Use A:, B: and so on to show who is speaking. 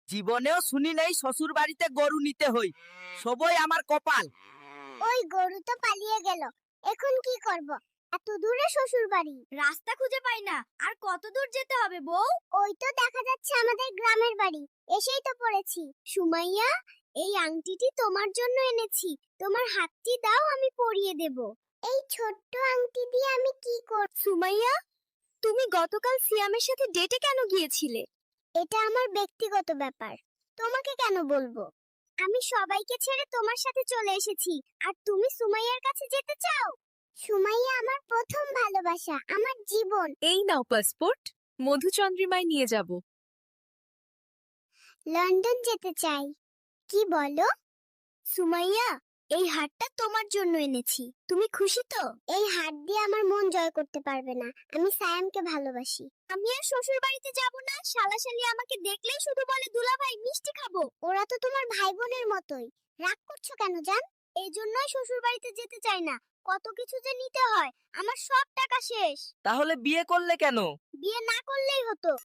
A: জীবনেও শুনি নাই শ্বশুর বাড়িতে গরু নিতে হই। সবই আমার কপাল।
B: ওই গরু তো পালিয়ে গেল, এখন কি করব? এত দূরে শ্বশুর বাড়ি, রাস্তা খুঁজে পাই না। আর কত দূর যেতে হবে বউ? ওই তো দেখা যাচ্ছে আমাদের গ্রামের বাড়ি, এসেই তো পড়েছি। সুমাইয়া, এই আংটিটি তোমার জন্য এনেছি, তোমার হাতটি দাও, আমি পরিয়ে দেব। এই ছোট্ট আংটি দিয়ে আমি কি করব? সুমাইয়া, তুমি গতকাল সিয়ামের সাথে ডেটে কেন গিয়েছিলে? এটা আমার ব্যক্তিগত ব্যাপার, তোমাকে কেন বলবো? আমি সবাইকে ছেড়ে তোমার সাথে চলে এসেছি, আর তুমি সুমাইয়ার কাছে যেতে চাও? সুমাইয়া আমার প্রথম ভালোবাসা, আমার জীবন।
C: এই নাও পাসপোর্ট, মধুচন্দ্রিমায় নিয়ে যাব।
B: লন্ডন যেতে চাই। কি বলো? সুমাইয়া, এই হারটা তোমার জন্য এনেছি, তুমি খুশি তো? এই হার দিয়ে আমার মন জয় করতে পারবে না, আমি সায়ামকে ভালোবাসি। আমি আর শ্বশুর বাড়িতে যাব না, শালাশালি আমাকে দেখলেই শুধু বলে দুলাভাই মিষ্টি খাবো। ওরা তো তোমার ভাই বোনের মতোই, রাগ করছো কেন জান? এই জন্যই শ্বশুর বাড়িতে যেতে চাই না, কত কিছু যে নিতে হয়, আমার সব টাকা শেষ।
A: তাহলে বিয়ে করলে কেন?
B: বিয়ে না করলেই হতো,